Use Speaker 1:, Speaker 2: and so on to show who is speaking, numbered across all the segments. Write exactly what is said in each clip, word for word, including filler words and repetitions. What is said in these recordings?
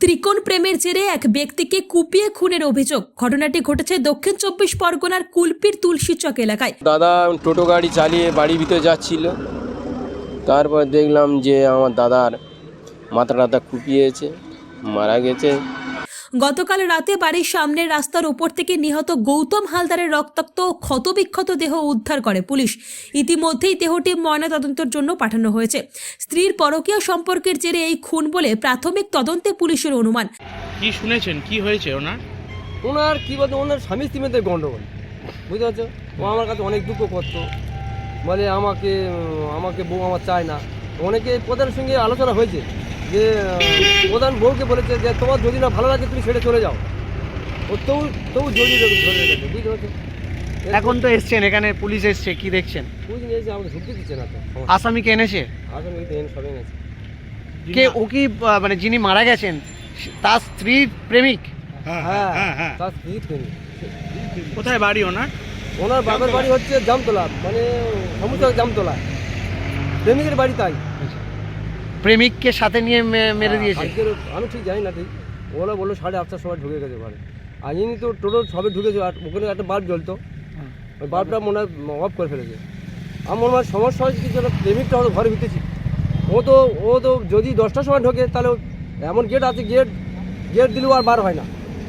Speaker 1: ত্রিকোণ প্রেমের জেরে এক ব্যক্তিকে কুপিয়ে খুনের অভিযোগ। ঘটনাটি ঘটেছে দক্ষিণ চব্বিশ পরগনার কুলপির তুলসীচক এলাকায়।
Speaker 2: দাদা টোটো গাড়ি চালিয়ে বাড়ির ভিতরে যাচ্ছিল, তারপর দেখলাম যে আমার দাদার মাথা টাথা কুপিয়েছে, মারা গেছে।
Speaker 1: গতকাল রাতে বাড়ির সামনের রাস্তার উপর থেকে নিহত গৌতম হালদারের রক্তাক্ত ও ক্ষতবিক্ষত দেহ উদ্ধার করে পুলিশ। ইতিমধ্যেই দেহটি ময়নাতদন্তের জন্য পাঠানো হয়েছে। স্ত্রীর পরকীয়া সম্পর্কের জেরে এই খুন বলে প্রাথমিক তদন্তে পুলিশের অনুমান।
Speaker 3: কি শুনেছেন, কি হয়েছে ওনার?
Speaker 4: ওনার কী বলতো, ওনার স্বামী স্ত্রীদের গণ্ডগোল, বুঝতে পারছো? ও আমার কাছে অনেক দুঃখ করতো, বলে আমাকে আমাকে বউ আমার চায় না। অনেকে প্রধানের সঙ্গে আলোচনা হয়েছে যে প্রধান বউকে বলেছে যে তোমার যদি না ভালো লাগে তুমি ছেড়ে চলে যাও। ও তবু তবু জড়িয়ে ধরে রেখেছে, বুঝতে পারছো?
Speaker 3: এখন তো এসছেন, এখানে পুলিশ এসছে, কি দেখছেন?
Speaker 4: বুঝ নিয়েছে, আমাকে ঢুকতে দিচ্ছে না তো।
Speaker 3: আসামিকে এনেছে?
Speaker 4: আসলে ট্রেন সবে গেছে।
Speaker 3: কে ও কি আহ, মানে যিনি মারা গেছেন তার স্ত্রীর প্রেমিক?
Speaker 4: হ্যাঁ হ্যাঁ, তার স্ত্রী প্রেমিক।
Speaker 3: কোথায় বাড়ি ওনার?
Speaker 4: ওনার বাবার বাড়ি হচ্ছে জামতলা, মানে সমুদ্র জামতলা। প্রেমিকের বাড়ি তাই।
Speaker 3: প্রেমিককে সাথে নিয়ে মে- মেরে দিয়েছে?
Speaker 4: আজকের আমি ঠিক জানি না, ঠিক ওরা বললো সাড়ে আটটার সময় ঢুকে গেছে ঘরে। আর ইনি তো টোটো সবে ঢুকেছে, আর ওখানে একটা বাল্ব জ্বলতো, ওই বাল্বটা মনে হয় অফ করে ফেলেছে। আমার মনে হয় সমস্যা হয়েছে কিছু, প্রেমিকটা হয়তো ঘরে ভিতেছি। ও তো ও তো যদি দশটার সময় ঢোকে তাহলে এমন গেট আছে, গেট গেট দিলেও আর বার হয় না।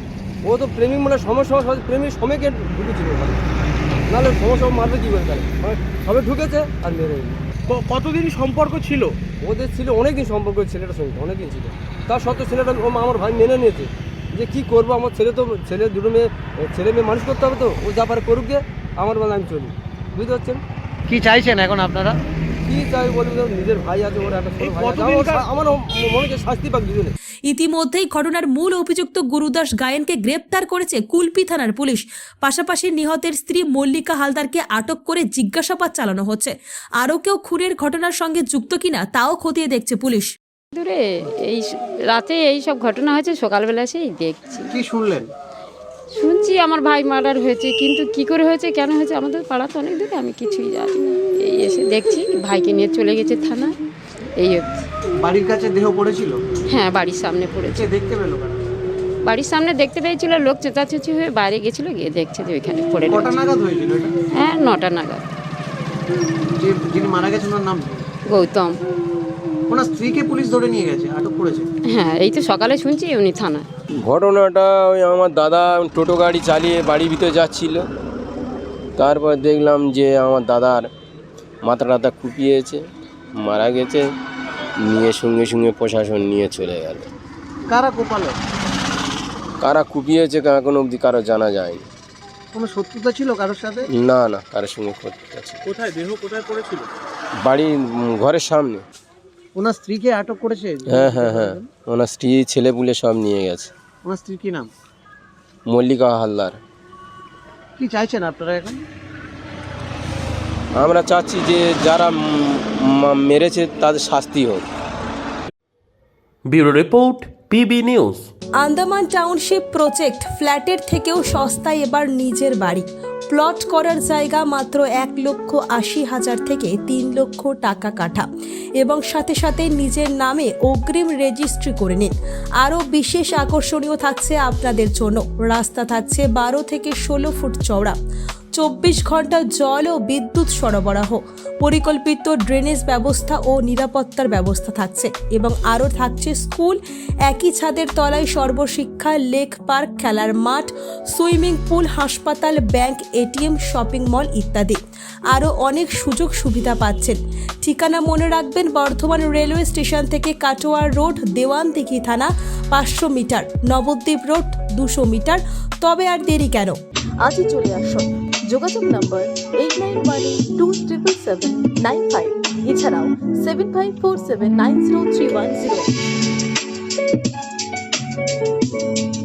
Speaker 4: ও তো প্রেমিক মানে সমস্যা হয়, প্রেমিক সময় গেট ঢুকেছিল ঘরে, নাহলে সমস্যা মারবে কী করে তাহলে? মানে সবে ঢুকেছে আর মেরে দিল।
Speaker 3: ক- কতদিন সম্পর্ক ছিল
Speaker 4: ওদের ছিল অনেক দিন সম্পর্ক, ছেলেটার সঙ্গে অনেক দিন ছিল। তার সত্ত্বেও ছেলেটা ও আমার ভাই মেনে নিয়েছে যে কী করবো, আমার ছেলে তো ছেলে দুটো মেয়ে ছেলে মেয়ে মানুষ করতে হবে, তো ও যা পারে করুক গে, আমার বেলা আমি চলি, বুঝতে পারছেন?
Speaker 3: কি চাইছেন এখন আপনারা?
Speaker 4: কী চাই বলবি, তো নিজের ভাই আছে, ওর একটা ছোটো ভাই আছে, আমার- আমার মনে হচ্ছে শাস্তি পাক দুজনে।
Speaker 1: ইতিমধ্যেই ঘটনার মূল অভিযুক্ত গুরুদাস গায়েনকে গ্রেপ্তার করেছে কুলপি থানার পুলিশ। পাশাপাশি নিহতের স্ত্রী মল্লিকা হালদারকে আটক করে জিজ্ঞাসাবাদ চালানো হচ্ছে। আরও কেউ খুনের ঘটনার সঙ্গে যুক্ত কিনা তাও খতিয়ে দেখছে পুলিশ।
Speaker 5: দূরে এই স- রাতে এই সব ঘটনা হয়েছে, সকালবেলা সেই দেখছি,
Speaker 3: কি শুনলেন?
Speaker 5: শুনছি আমার ভাই মার্ডার হয়েছে, কিন্তু কি করে হয়েছে, কেন হয়েছে, আমাদের পাড়া তো অনেক দূরে, আমি কিছুই জানি না। এই এসে দেখছি ভাইকে নিয়ে চলে গেছে থানা, এই অবধি।
Speaker 3: বাড়ির কাছে দেহ পড়েছিল?
Speaker 5: হ্যাঁ, বাড়ির সামনে পড়েছে।
Speaker 3: দেখতে পেল?
Speaker 5: বাড়ির সামনে দেখতে পেয়েছিল, লোক চেঁচাচেঁচি হয়ে বাইরে গেছিলো, গিয়ে দেখছে যে ওইখানে পড়ে
Speaker 3: কটা
Speaker 5: রয়েছে।
Speaker 3: নাগাদ হয়েছিল এটা?
Speaker 5: হ্যাঁ, নটা নাগাদ।
Speaker 3: যে যিনি মারা গেছেন ওনার নাম?
Speaker 5: গৌতম।
Speaker 3: ওনার স্ত্রীকে পুলিশ ধরে নিয়ে গেছে, আটক করেছে?
Speaker 5: হ্যাঁ, এই তো সকালে শুনছি উনি থানায়।
Speaker 2: ঘটনাটা ওই আমার দাদা টোটো গাড়ি চালিয়ে বাড়ির ভিতরে যাচ্ছিল, তারপর দেখলাম যে আমার দাদার মাথা টাথা কুপিয়েছে, মারা গেছে। নিয়ে সঙ্গে সঙ্গে প্রশাসন নিয়ে চলে গেল।
Speaker 3: কারা কোপালো?
Speaker 2: কারা কুপিয়েছে এখনো অবধি কারো জানা যায়নি।
Speaker 3: কোনো শত্রুতা ছিল কারোর সাথে?
Speaker 2: না না, কারোর সঙ্গে করতে আছে।
Speaker 3: কোথায় দেহ কোথায় পড়েছিল?
Speaker 2: বাড়ির উম, ঘরের সামনে।
Speaker 3: ওনার স্ত্রীকে আটক করেছে?
Speaker 2: হ্যাঁ হ্যাঁ হ্যাঁ, ওনার স্ত্রী ছেলে পুলে সব নিয়ে গেছে।
Speaker 3: ওনার স্ত্রীর কি নাম?
Speaker 2: মল্লিকা হালদার।
Speaker 3: কি চাইছেন আপনারা এখন?
Speaker 2: আমরা চাচ্ছি যে যারা উম, মা- মেরেছে তাদের শাস্তি হোক।
Speaker 6: Bureau report, PB news.
Speaker 1: Andaman township project, ফ্ল্যাটের থেকেও সস্তায় এবার নিজের বাড়ি। প্লট করার জায়গা মাত্র এক লক্ষ আশি হাজার থেকে তিন লক্ষ টাকা কাঠা, এবং সাথে সাথে নিজের নামে অগ্রিম রেজিস্ট্রি করে নিন। আরও বিশেষ আকর্ষণীয় থাকছে আপনাদের জন্য, রাস্তা থাকছে বারো থেকে ষোলো ফুট চওড়া, চব্বিশ ঘন্টা জল ও বিদ্যুৎ সরবরাহ, পরিকল্পিত ড্রেনেজ ব্যবস্থা ও নিরাপত্তার ব্যবস্থা থাকছে, এবং আরও থাকছে স্কুল, একই ছাদের তলায় সর্বশিক্ষা, লেক পার্ক, খেলার মাঠ, সুইমিং পুল, হাসপাতাল, ব্যাংক, এটিএম, শপিং মল ইত্যাদি। আরও অনেক সুযোগ সুবিধা পাচ্ছেন। ঠিকানা মনে রাখবেন, বর্ধমান রেলওয়ে স্টেশন থেকে কাটোয়া রোড, দেওয়ানদিঘি থানা পাঁচশো মিটার, নবদ্বীপ রোড দুশো মিটার। তবে আর দেরি কেন,
Speaker 7: আজই চলে আসুন। যোগাযোগ নম্বর eight nine one eight two triple seven nine five, এছাড়াও seven five four seven nine zero three one zero.